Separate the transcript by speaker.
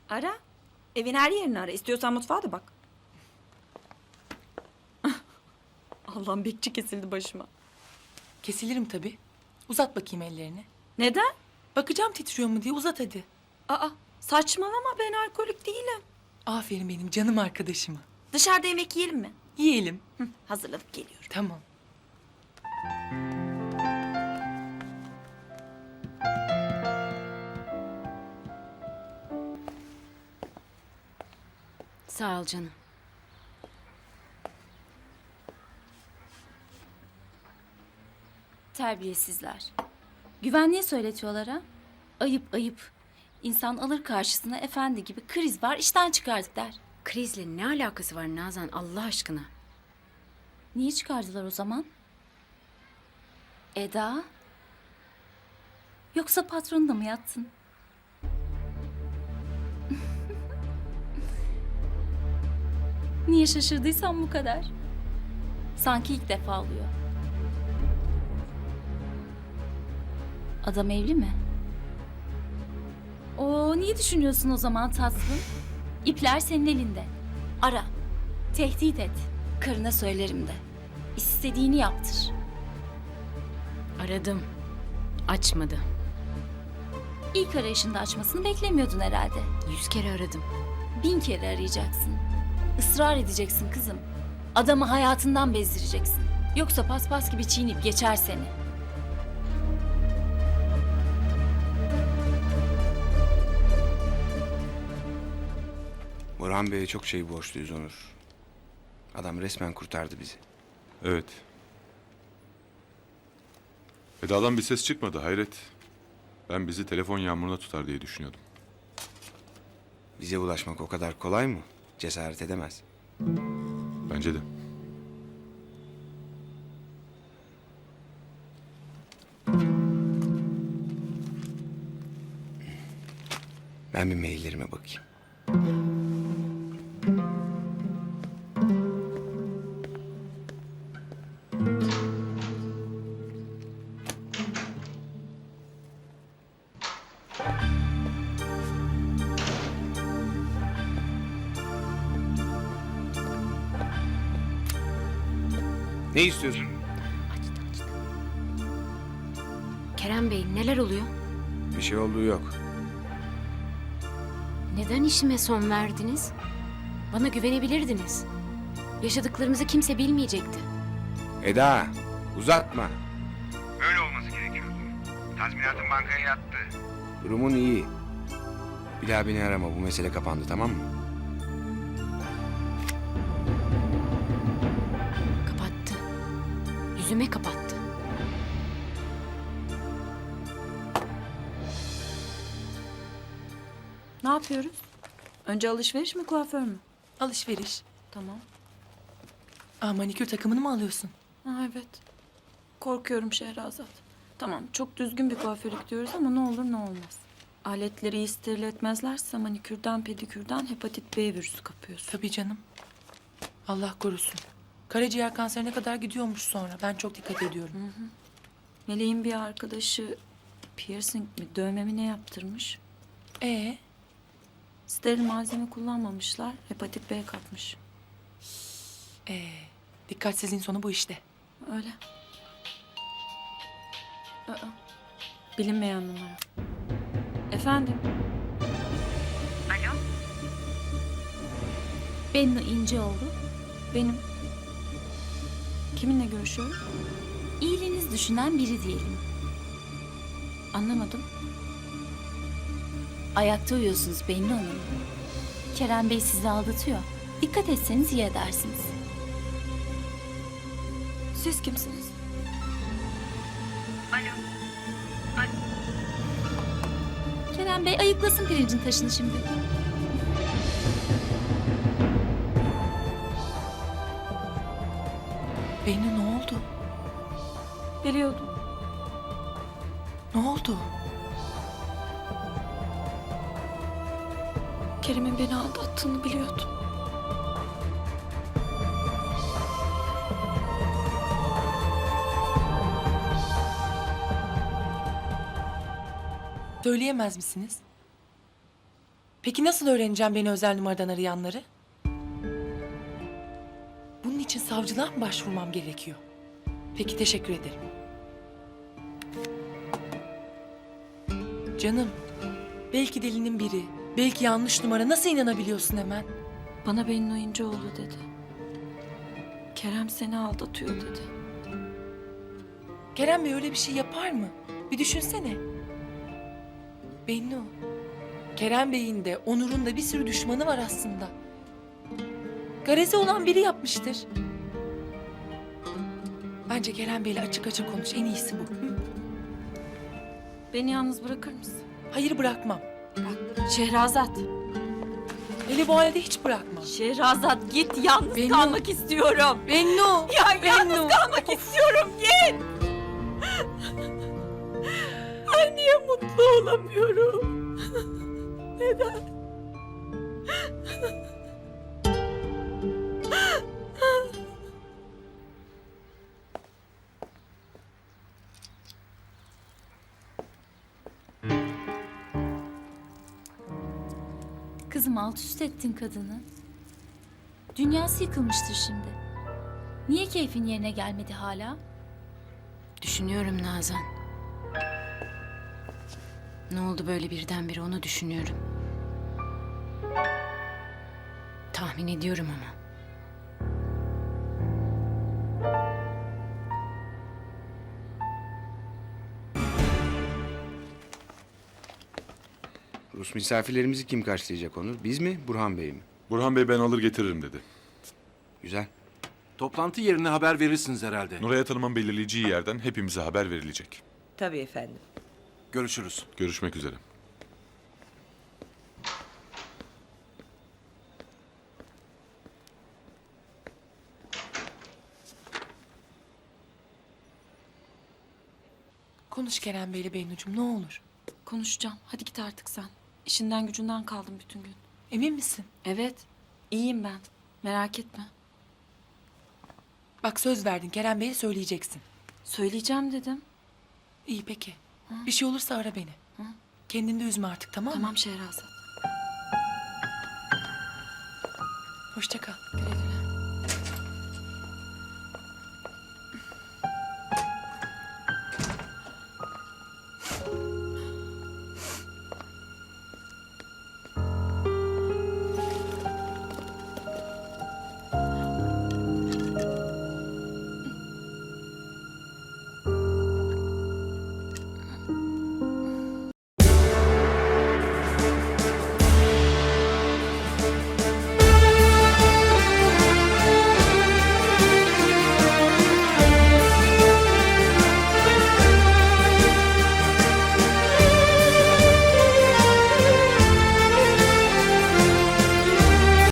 Speaker 1: Ara. Evin her yerini ara. İstiyorsan mutfağa da bak. Allah'ım bekçi kesildi başıma.
Speaker 2: Kesilirim tabii. Uzat bakayım ellerini.
Speaker 1: Neden?
Speaker 2: Bakacağım titriyor mu diye, uzat hadi.
Speaker 1: Aa, saçmalama, ben alkolik değilim.
Speaker 2: Aferin benim canım arkadaşıma.
Speaker 1: Dışarıda yemek yiyelim mi?
Speaker 2: Yiyelim.
Speaker 1: Hı, hazırladık, geliyorum.
Speaker 2: Tamam.
Speaker 3: Sağ ol canım.
Speaker 4: Terbiyesizler. Güvenliğe söyletiyorlar ha. Ayıp ayıp. İnsan alır karşısına efendi gibi kriz var işten çıkardık der.
Speaker 3: Krizle ne alakası var Nazan Allah aşkına?
Speaker 4: Niye çıkardılar o zaman? Eda? Yoksa patronla mı yattın? Niye şaşırdıysam bu kadar. Sanki ilk defa oluyor. Adam evli mi? Niye düşünüyorsun o zaman tatlım? İpler senin elinde. Ara. Tehdit et. Karına söylerim de. İstediğini yaptır.
Speaker 3: Aradım. Açmadı.
Speaker 4: İlk arayışında açmasını beklemiyordun herhalde.
Speaker 3: 100 kere aradım.
Speaker 4: 1000 kere arayacaksın. Israr edeceksin kızım. Adamı hayatından bezdireceksin. Yoksa paspas gibi çiğneyip geçer seni.
Speaker 5: Burhan Bey'e çok şey borçluyuz Onur. Adam resmen kurtardı bizi.
Speaker 6: Evet. Eda'dan bir ses çıkmadı, hayret. Ben bizi telefon yağmuruna tutar diye düşünüyordum.
Speaker 5: Bize ulaşmak o kadar kolay mı? Cesaret edemez.
Speaker 6: Bence de.
Speaker 5: Ben bir maillerime bakayım. Ne istiyorsun?
Speaker 3: Kerem Bey neler oluyor?
Speaker 5: Bir şey olduğu yok.
Speaker 3: Neden işime son verdiniz? Bana güvenebilirdiniz. Yaşadıklarımızı kimse bilmeyecekti.
Speaker 5: Eda, uzatma. Öyle olması gerekiyordu. Tazminatın bankaya yattı. Durumun iyi. Bir daha beni arama, bu mesele kapandı, tamam mı?
Speaker 3: Kapattı. Yüzüme kapattı.
Speaker 1: Ne yapıyoruz? Önce alışveriş mi, kuaför mü?
Speaker 2: Alışveriş.
Speaker 1: Tamam.
Speaker 2: Manikür takımını mı alıyorsun?
Speaker 1: Ha, evet. Korkuyorum Şehrazat. Tamam, çok düzgün bir kuaförlük diyoruz ama ne olur ne olmaz. Aletleri iyi steril etmezlerse manikürden, pedikürden hepatit B virüsü kapıyorsun.
Speaker 2: Tabii canım. Allah korusun. Karaciğer kanserine kadar gidiyormuş sonra. Ben çok dikkat ediyorum.
Speaker 1: Meleğin bir arkadaşı piercing mi, dövme mi ne yaptırmış? Steril malzeme kullanmamışlar, hepatit B kapmış.
Speaker 2: Dikkatsizliğin sonu bu işte.
Speaker 1: Öyle. Bilinmeyen numara. Efendim?
Speaker 4: Bennu İnceoğlu.
Speaker 1: Benim. Kiminle görüşüyorum?
Speaker 4: İyiliğiniz düşünen biri diyelim.
Speaker 1: Anlamadım.
Speaker 4: Ayakta uyuyorsunuz Bennu Hanım. Kerem Bey sizi aldatıyor. Dikkat etseniz iyi edersiniz.
Speaker 1: Siz kimsiniz?
Speaker 4: Kerem Bey ayıklasın pirincin taşını şimdi.
Speaker 2: Bennu ne oldu?
Speaker 1: Biliyordum.
Speaker 2: Ne oldu?
Speaker 1: Kerem'in beni aldattığını biliyordum.
Speaker 2: Söyleyemez misiniz? Peki nasıl öğreneceğim beni özel numaradan arayanları? Bunun için savcılığa mı başvurmam gerekiyor? Peki, teşekkür ederim. Canım, belki delinin biri, belki yanlış numara. Nasıl inanabiliyorsun hemen?
Speaker 1: Bana Bennu İnceoğlu dedi. Kerem seni aldatıyor dedi.
Speaker 2: Kerem Bey öyle bir şey yapar mı? Bir düşünsene. Bennu, Kerem Bey'in de Onur'un da bir sürü düşmanı var aslında. Garezi olan biri yapmıştır. Bence Kerem Bey'le açık açık konuş. En iyisi bu. Hı?
Speaker 1: Beni yalnız bırakır mısın?
Speaker 2: Hayır, bırakmam.
Speaker 1: Şehrazat.
Speaker 2: Hele bu halde hiç bırakmam.
Speaker 1: Şehrazat git, yalnız
Speaker 2: Bennu.
Speaker 1: kalmak istiyorum.
Speaker 2: Bennu!
Speaker 1: Ya yalnız kalmak istiyorum, git. Ay niye mutlu olamıyorum? Neden?
Speaker 4: Kızım alt üst ettin kadını. Dünyası yıkılmıştır şimdi. Niye keyfin yerine gelmedi hala?
Speaker 3: Düşünüyorum Nazan. Ne oldu böyle birdenbire onu düşünüyorum. Tahmin ediyorum ama.
Speaker 5: Rus misafirlerimizi kim karşılayacak Onur? Biz mi, Burhan Bey mi?
Speaker 6: Burhan Bey ben alır getiririm dedi.
Speaker 5: Güzel.
Speaker 7: Toplantı yerine haber verirsiniz herhalde.
Speaker 6: Nuray Hanım'ın belirleyeceği yerden hepimize haber verilecek.
Speaker 8: Tabii efendim.
Speaker 7: Görüşürüz.
Speaker 6: Görüşmek üzere.
Speaker 2: Konuş Kerem Bey'le Bennucuğum, ne olur.
Speaker 1: Konuşacağım. Hadi git artık sen. İşinden gücünden kaldım bütün gün.
Speaker 2: Emin misin?
Speaker 1: Evet. İyiyim ben. Merak etme.
Speaker 2: Bak, söz verdin, Kerem Bey'e söyleyeceksin.
Speaker 1: Söyleyeceğim dedim.
Speaker 2: İyi peki. Bir şey olursa ara beni. Kendini de üzme artık, tamam mı?
Speaker 1: Tamam Şehrazat.
Speaker 2: Hoşça kal.
Speaker 1: Güle güle.